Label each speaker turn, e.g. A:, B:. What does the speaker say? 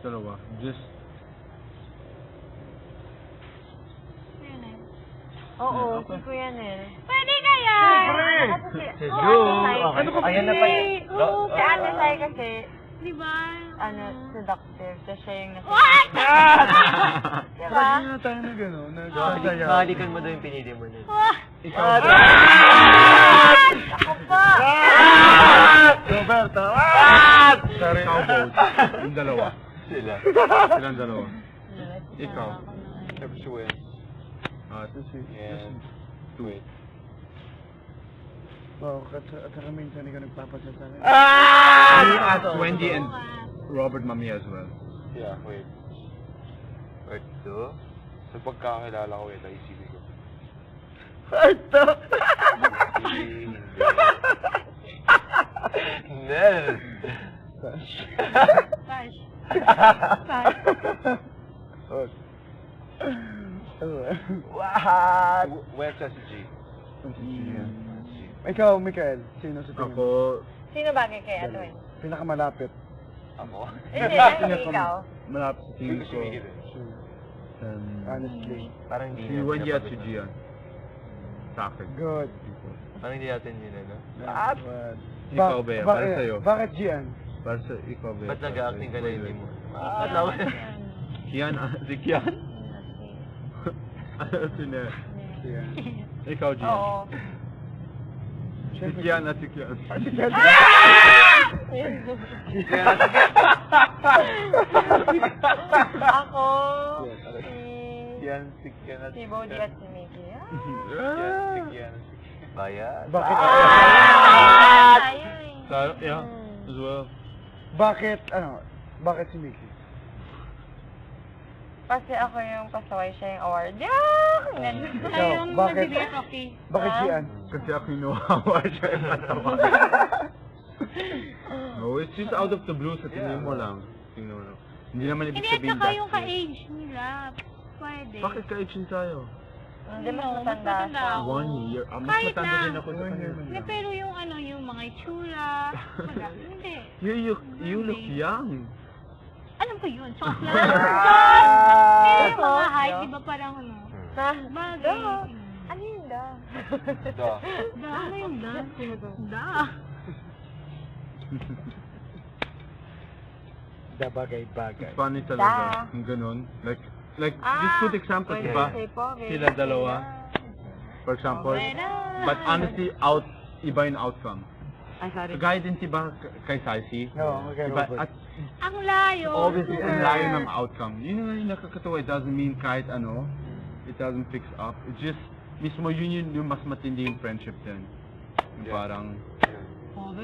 A: Dalawa. Just...
B: Oo, si Kuya Nel.
C: Pwede kaya?
B: Si
D: Ju!
B: Ano
D: ka Ayan na pa
B: Oo, si Ate Sai kasi,
C: Di ba?
B: seductive. So siya yung nasa...
C: What?
B: Diba?
A: Hindi na tayo na gano'n. Nagsasayaw.
D: Nakalikan mo daw yung pinili mo nun.
A: Ikaw.
B: Ako pa!
A: Roberto! Sorry, ikaw both. Yung dalawa.
D: Sila.
A: Silang dalawa. Ikaw.
D: Capsule.
A: Ito si...
D: And... Wait.
E: Wow, at saka minsan ikaw nagpapasya sa akin.
A: Me as Wendy and Robert Mami as well.
D: Yeah, wait. Wait, ito? Sa pagkakilala ko, ito, isipin ko.
E: Ito!
D: Hindi. Nel!
C: Tash.
D: What? Where sa si G?
E: Ikaw, Mikael, sino sa tingin mo?
A: Ako...
B: Sino bagay kay Ate Wen?
E: Pinakamalapit.
D: Ako?
B: Hindi, hindi ikaw.
A: Malapit sa tingin
D: Hindi ko
A: ko.
D: si Miguel eh.
E: Honestly.
D: Parang hindi
A: Si
D: niya
A: Wendy at si
D: pinapagod na.
A: Gian. Sa akin.
E: Good.
D: Parang hindi natin yun, ano?
E: What?
A: Ikaw, Bea, para sa'yo.
E: Bakit Gian?
A: Para sa ikaw, Bea.
D: Ba't nag-acting ka na hindi mo?
A: Kian? Si Kian? Ano si Nel?
E: Gian.
A: Ikaw, Gian.
B: Oo.
A: Si Kian at si Kian.
E: Si Gian.
B: Ako,
D: Yan, si Kian at
B: si Bodhi at si Mickey.
D: Kian. Bayan.
E: Bakit?
A: So, yeah, as well.
E: Bakit, bakit si Mickey?
B: Kasi ako yung pasaway, siya yung award.
E: Ikaw,
C: Ayun,
E: bakit?
C: nabibigay coffee.
E: Bakit Gian?
A: Kasi ako inuhawa siya yung matawa. No, it's just out of the blue sa tingin mo lang. Tingnan mo lang. Hindi naman ibig
C: Hindi, at
A: sabihin
C: saka yung
A: that's it.
C: ka-age nila. Pwede.
A: Bakit ka-aging tayo?
B: Hindi, mas
C: Ano,
B: matanda siya.
C: ako.
A: 1 year. Mas
C: Kahit
A: matanda
C: na.
A: din ako sa kanya.
C: Hindi, pero yung yung mga itsura. Wala. Hindi.
A: You look young.
C: Ano ba yun? Chok lang. Pero yung mga height, di ba parang
B: Na,
C: bagay.
B: ano yun da?
D: Da.
C: Da, ano yung da? Da.
E: Da bagay-bagay.
A: It's funny talaga. Yung ganun. Like, just good example, di ba? Sila dalawa. For example. But honestly, iba yung outcome.
B: Ay, sorry.
A: Kagaya din si ba kay Saisi?
E: No, okay,
A: Diba?
E: Robert.
A: At
C: Ang layo.
A: obviously, ang layo ng outcome. Yun yung nakakatawa. It doesn't mean kahit ano, it doesn't fix up. It's just, mismo yun yung mas matindi yung friendship din. Yung
D: Yeah.
A: parang,